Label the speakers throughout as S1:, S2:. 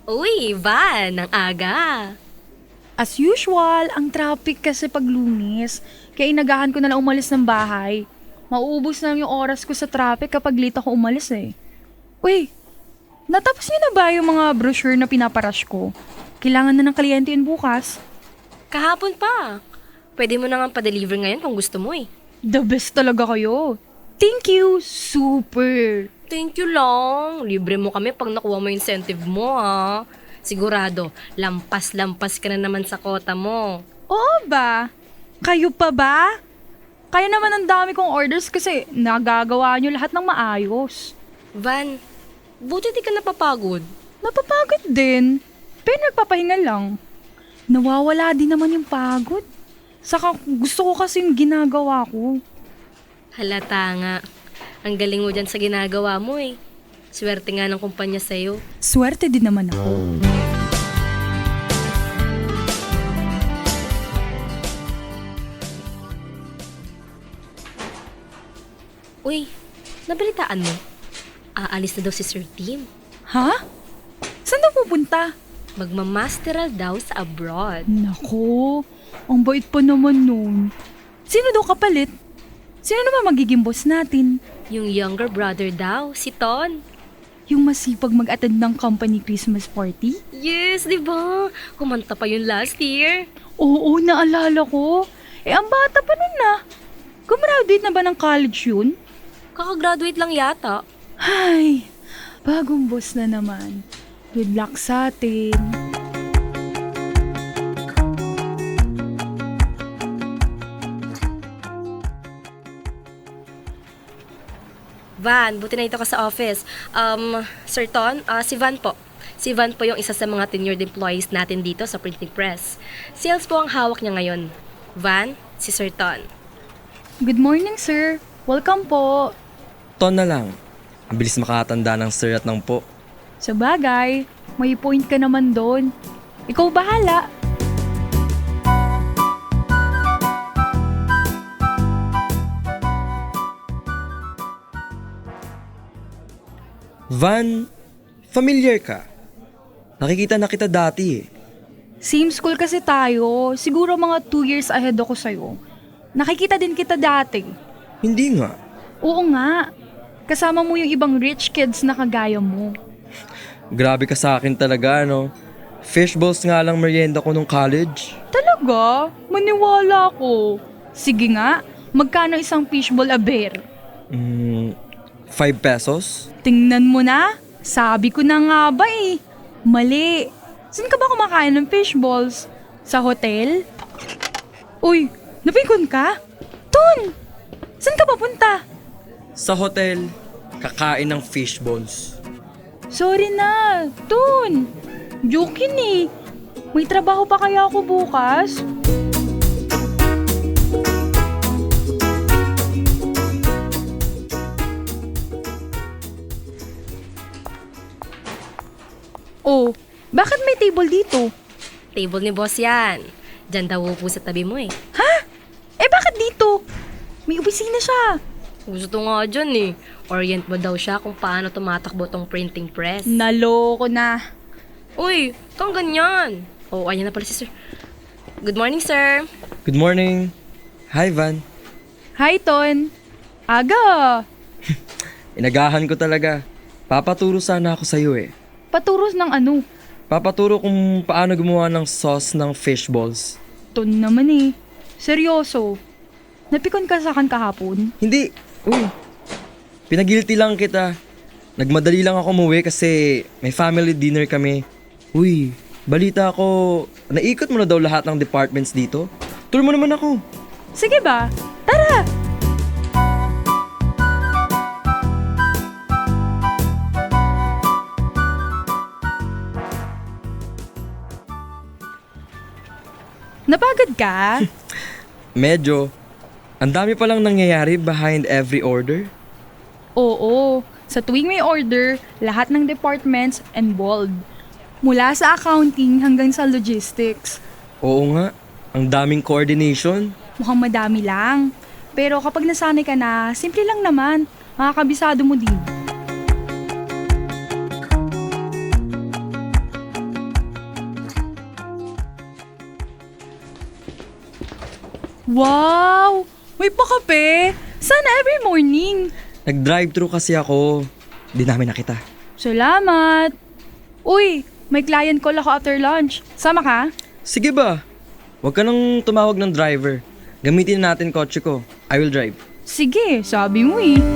S1: Uy, Van, ang aga.
S2: As usual, ang traffic kasi pag Lunes. Kaya inagahan ko na lang umalis ng bahay. Mauubos na lang yung oras ko sa traffic kapag late ako umalis eh. Uy, natapos niyo na ba yung mga brochure na pinaparash ko? Kailangan na ng kliyente yun bukas.
S1: Kahapon pa. Pwede mo na nga pa-deliver ngayon kung gusto mo eh.
S2: The best talaga kayo. Thank you, super.
S1: Thank you lang. Libre mo kami pag nakuha mo yung incentive mo ha. Sigurado, lampas-lampas ka na naman sa kota mo.
S2: Oo ba? Kayo pa ba? Kaya naman ang dami kong orders kasi nagagawa niyo lahat ng maayos.
S1: Van, buti di ka napapagod.
S2: Napapagod din. Pero nagpapahinga lang. Nawawala din naman yung pagod. Saka gusto ko kasi yung ginagawa ko.
S1: Halata nga. Ang galing mo dyan sa ginagawa mo eh. Swerte nga ng kumpanya sa'yo.
S2: Swerte din naman ako.
S1: Uy, nabalitaan mo? Aalis na daw si Sir Tim.
S2: Ha? Saan daw pupunta?
S1: Magmamasteral daw sa abroad.
S2: Nako, ang bait pa naman nun. Sino daw kapalit? Sino naman magiging boss natin?
S1: Yung younger brother daw, si Ton.
S2: Yung masipag mag-attend ng company Christmas party?
S1: Yes, di ba? Kumanta pa yun last year.
S2: Oo, naalala ko. Ang bata pa nun na. Gumraduate na ba ng college yun?
S1: Kakagraduate lang yata.
S2: Ay, bagong boss na naman. Good luck sa atin.
S1: Van, buti na ito ka sa office. Sir Ton, si Van po. Si Van po yung isa sa mga tenured employees natin dito sa printing press. Sales po ang hawak niya ngayon. Van, si Sir Ton.
S2: Good morning, sir. Welcome po.
S3: Ton na lang. Ang bilis makatanda ng sir at ng po.
S2: Sa bagay, may point ka naman doon. Ikaw bahala.
S3: Van, familiar ka? Nakikita na kita dati eh.
S2: Same school kasi tayo. Siguro mga 2 years ahead ako sa'yo. Nakikita din kita dati.
S3: Hindi nga.
S2: Oo nga. Kasama mo yung ibang rich kids na kagaya mo.
S3: Grabe ka sa akin talaga, no? Fishballs nga lang merienda ko nung college.
S2: Talaga? Maniwala ko. Sige nga, magkano isang fishball a bear?
S3: 5 pesos?
S2: Tingnan mo na. Sabi ko na nga ba eh. Mali. Saan ka ba kumakain ng fishballs? Sa hotel? Uy, napikon ka? Ton! Saan ka papunta?
S3: Sa hotel, kakain ng fishballs.
S2: Sorry na, Ton. Joke yun eh. May trabaho pa kaya ako bukas? Oh, bakit may table dito?
S1: Table ni boss yan. Diyan daw upo sa tabi mo eh.
S2: Ha? Bakit dito? May opisina siya.
S1: Gusto nga dyan eh. Orient mo daw siya kung paano tumatakbo tong printing press.
S2: Naloko na.
S1: Uy, kang ganyan. Oh, ayan na pala si sir. Good morning, sir.
S3: Good morning. Hi, Van.
S2: Hi, Ton. Aga.
S3: Inagahan ko talaga. Papaturo sana ako sa'yo eh.
S2: Paturos ng ano?
S3: Papaturo kung paano gumawa ng sauce ng fishballs.
S2: Ton naman eh. Seryoso. Napikon ka sa akin kahapon?
S3: Hindi. Uy. Pinagilty lang kita. Nagmadali lang ako umuwi kasi may family dinner kami. Uy, balita ko, naikot mo na daw lahat ng departments dito. Tour mo naman ako.
S2: Sige ba? Tara! Napagod ka?
S3: Medyo. Ang dami palang nangyayari behind every order.
S2: Oo. Sa tuwing may order, lahat ng departments involved. Mula sa accounting hanggang sa logistics.
S3: Oo nga, ang daming coordination.
S2: Mukhang madami lang. Pero kapag nasanay ka na, simple lang naman. Makakabisado mo din. Wow! May pakape! Sana every morning.
S3: Nag-drive-thru kasi ako. Di namin nakita.
S2: Salamat! Uy, may client call ako after lunch. Sama ka?
S3: Sige ba? Huwag ka nang tumawag ng driver. Gamitin natin kotse ko. I will drive.
S2: Sige, sabi mo eh.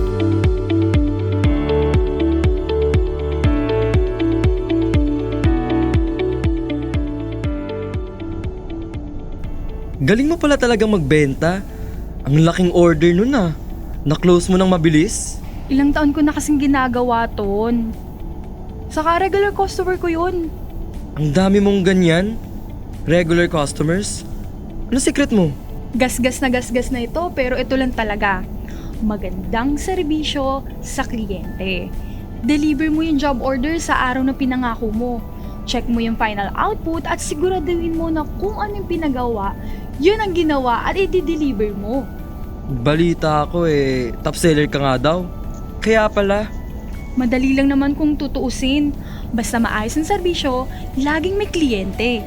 S3: Galing mo pala talagang magbenta. Ang laking order nun ah. Na-close mo nang mabilis?
S2: Ilang taon ko na kasing ginagawa ton. Saka regular customer ko yun.
S3: Ang dami mong ganyan. Regular customers. Ano secret mo?
S2: Gasgas na ito pero ito lang talaga. Magandang serbisyo sa kliyente. Deliver mo yung job order sa araw na pinangako mo. Check mo yung final output at siguraduhin mo na kung ano yung pinagawa, yun ang ginawa at i-deliver mo.
S3: Balita ako top seller ka nga daw. Kaya pala.
S2: Madali lang naman kung tutuusin. Basta maayos ang serbisyo, laging may kliyente.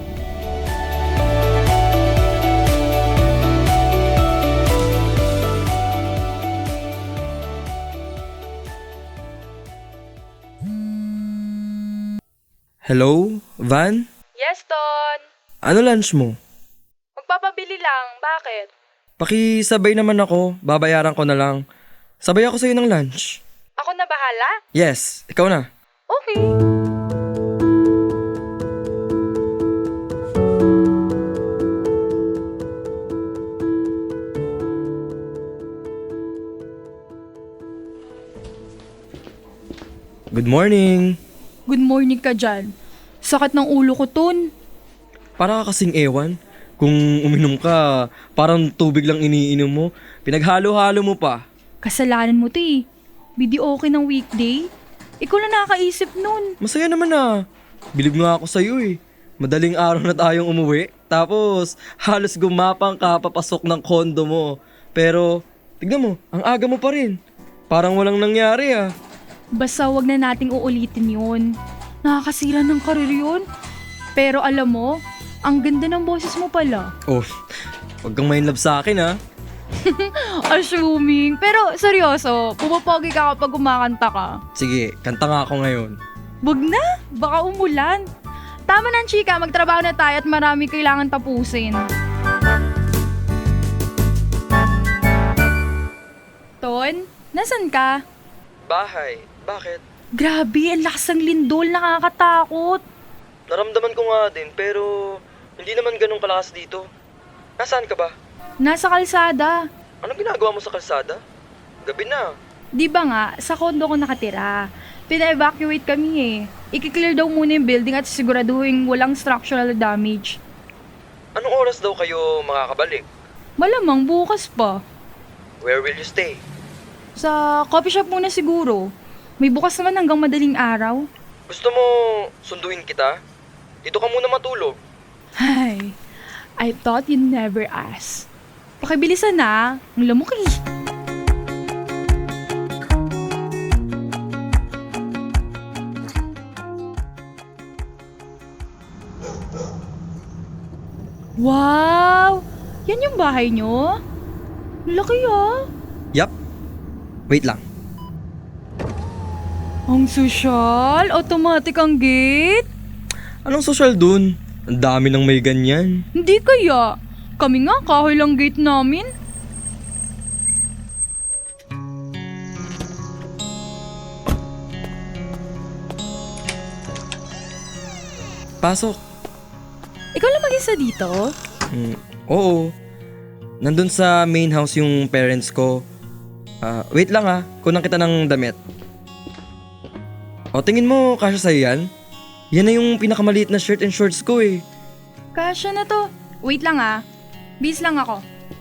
S3: Hello, Van?
S2: Yes, Ton.
S3: Ano lunch mo?
S2: Magpapabili lang. Bakit?
S3: Pakisabay naman ako, babayaran ko na lang. Sabay ako sa'yo ng lunch.
S2: Ako na bahala?
S3: Yes, ikaw na.
S2: Okay.
S3: Good morning.
S2: Good morning ka dyan. Sakit ng ulo ko, Ton.
S3: Para ka kasing ewan. Kung uminom ka, parang tubig lang iniinom mo. Pinaghalo-halo mo pa.
S2: Kasalanan mo to eh. Video okay ng weekday. Ikaw na nakakaisip nun.
S3: Masaya naman ah. Bilib nga ako sa'yo eh. Madaling araw na tayong umuwi. Tapos, halos gumapang ka papasok ng kondo mo. Pero, tignan mo, ang aga mo pa rin. Parang walang nangyari ah.
S2: Basta wag na nating uulitin yun. Nakakasira ng karir yun. Pero alam mo, ang ganda ng boses mo pala.
S3: Oh, wag kang main love sa akin ah.
S2: Assuming. Pero seryoso, pumapogi ka kapag kumakanta ka.
S3: Sige, kanta nga ako ngayon.
S2: Wag na, baka umulan. Tama na, chika, magtrabaho na tayo at marami kailangan tapusin. Ton, nasan ka?
S3: Bahay, bakit?
S2: Grabe, ang lakas ng lindol, nakakatakot.
S3: Naramdaman ko nga din pero hindi naman ganun kalakas dito. Nasaan ka ba?
S2: Nasa kalsada.
S3: Anong ginagawa mo sa kalsada? Gabi na.
S2: Di ba nga, sa kondo ko nakatira. Pina-evacuate kami eh. I-clear daw muna yung building at siguraduhin walang structural damage.
S3: Anong oras daw kayo makakabalik?
S2: Malamang bukas pa.
S3: Where will you stay?
S2: Sa coffee shop muna siguro. May bukas naman hanggang madaling araw.
S3: Gusto mo sunduin kita? Dito ka muna matulog.
S2: Ay, I thought you'd never ask. Pakibilisan na, ang lamok eh. Wow! Yan yung bahay nyo? Laki ah!
S3: Yup. Wait lang.
S2: Ang sosyal, automatic ang gate.
S3: Anong social dun? Ang dami nang may ganyan.
S2: Hindi kaya. Kami nga, kahoy lang gate namin.
S3: Pasok.
S2: Ikaw lang mag-isa dito?
S3: Oo. Nandun sa main house yung parents ko. Wait lang kunan kita ng damit. O, tingin mo kasya sa'yo yan? Yan na yung pinakamaliit na shirt and shorts ko eh.
S2: Kasya na to. Wait lang Bis lang ako.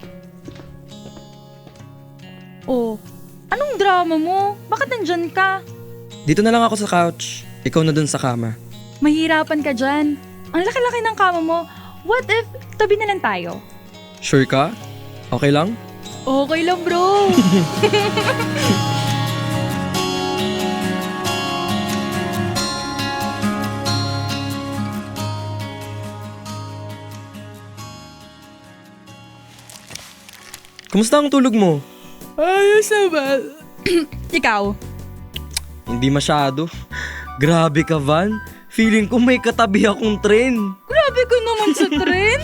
S2: Oh, anong drama mo? Bakit nandyan ka?
S3: Dito na lang ako sa couch. Ikaw na dun sa kama.
S2: Mahirapan ka dyan. Ang laki-laki ng kama mo. What if tabi na lang tayo?
S3: Sure ka? Okay lang?
S2: Okay lang, bro.
S3: Kumusta ang tulog mo?
S2: Ayos naman. Ikaw?
S3: Hindi masyado. Grabe ka, Van. Feeling ko may katabi akong tren.
S2: Grabe ko naman sa tren.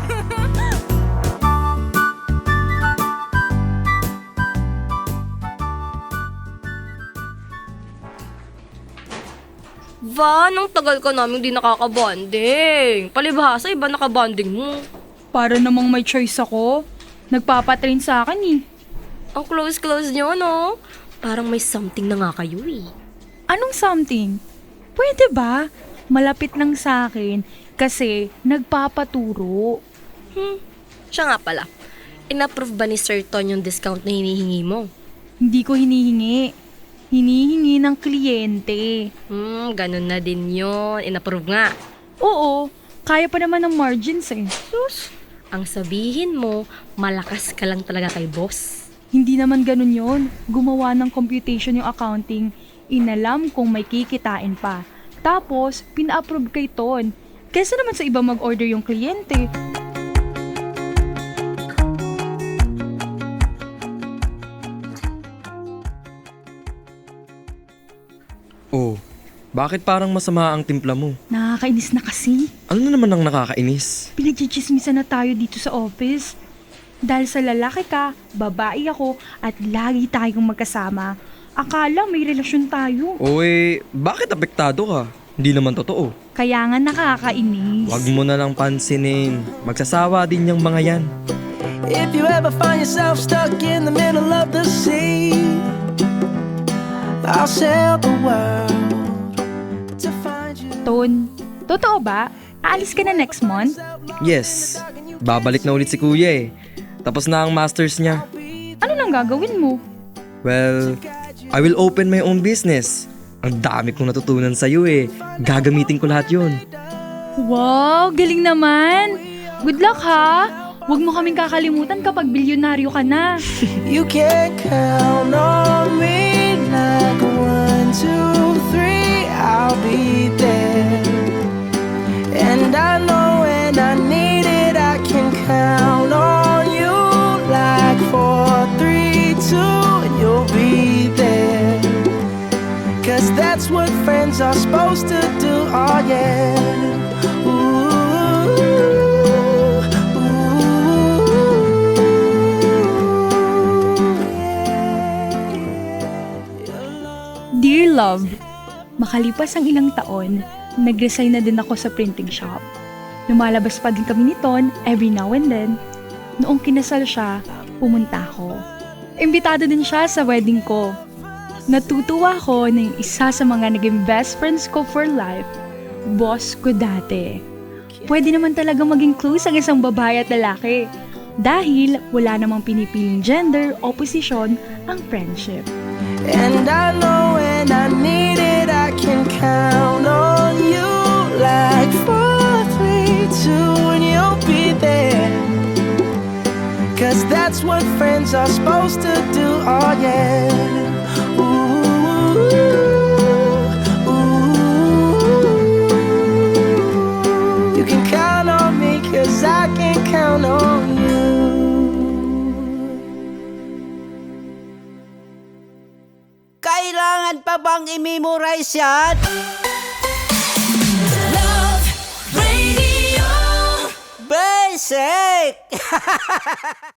S1: Van, ang tagal ka namin di nakakabonding. Palibhasa, iba nakabonding mo.
S2: Para namang may choice ako. Nagpapatrain sa akin eh.
S1: Ang close-close nyo, no? Parang may something na nga kayo eh.
S2: Anong something? Pwede ba? Malapit lang sa akin kasi nagpapaturo.
S1: Siya nga pala. In-approve ba ni Sir Ton yung discount na hinihingi mo?
S2: Hindi ko hinihingi. Hinihingi ng kliyente.
S1: Ganun na din yun. In-approve nga.
S2: Oo, kaya pa naman ng margins eh.
S1: Sus, ang sabihin mo, malakas ka lang talaga kay boss.
S2: Hindi naman ganun yon. Gumawa ng computation yung accounting. Inalam kung may kikitain pa. Tapos, pina-approve kay Ton. Kesa naman sa iba mag-order yung kliyente.
S3: Oh, bakit parang masama ang timpla mo?
S2: Nakakainis na kasi.
S3: Ano na naman ang nakakainis?
S2: Pinagchichismisan na tayo dito sa office. Dahil sa lalaki ka, babae ako, at lagi tayong magkasama. Akala may relasyon tayo.
S3: O bakit apektado ka? Hindi naman totoo.
S2: Kaya nga nakakainis.
S3: Wag mo na lang pansinin. Magsasawa din yung mga yan.
S4: If you ever find yourself stuck in the middle of the sea, I'll sail the world to find you.
S2: Ton, totoo ba? Aalis ka na next month?
S3: Yes, babalik na ulit si kuya eh. Tapos na ang masters niya.
S2: Ano nang gagawin mo?
S3: Well, I will open my own business. Ang dami kong natutunan sa'yo eh. Gagamitin ko lahat yun.
S2: Wow, galing naman! Good luck ha! Huwag mo kaming kakalimutan kapag bilyonaryo ka na.
S4: You can count on me like 1, 2, 3, I'll be there. And I know when I need it, I can count on you like 4, 3, 2, and you'll be there. Cause that's what friends are supposed to do, oh yeah. Ooh,
S2: Dear Love, makalipas ang ilang taon, nag-resign na din ako sa printing shop. Lumalabas pa din kami ni Ton every now and then. Noong kinasal siya, pumunta ako. Imbitado din siya sa wedding ko. Natutuwa ko na yung isa sa mga naging best friends ko for life, boss ko dati. Pwede naman talaga maging close ang isang babae at lalaki dahil wala namang pinipiling gender o posisyon ang friendship.
S4: and I know when I need it, I can count on you like 4, 3, 2, and you'll be there. Cause that's what friends are supposed to do, oh yeah. Ooh, ooh. You can count on me cause I can count on you.
S5: Kailangan pa bang i-memorize yan? Basic!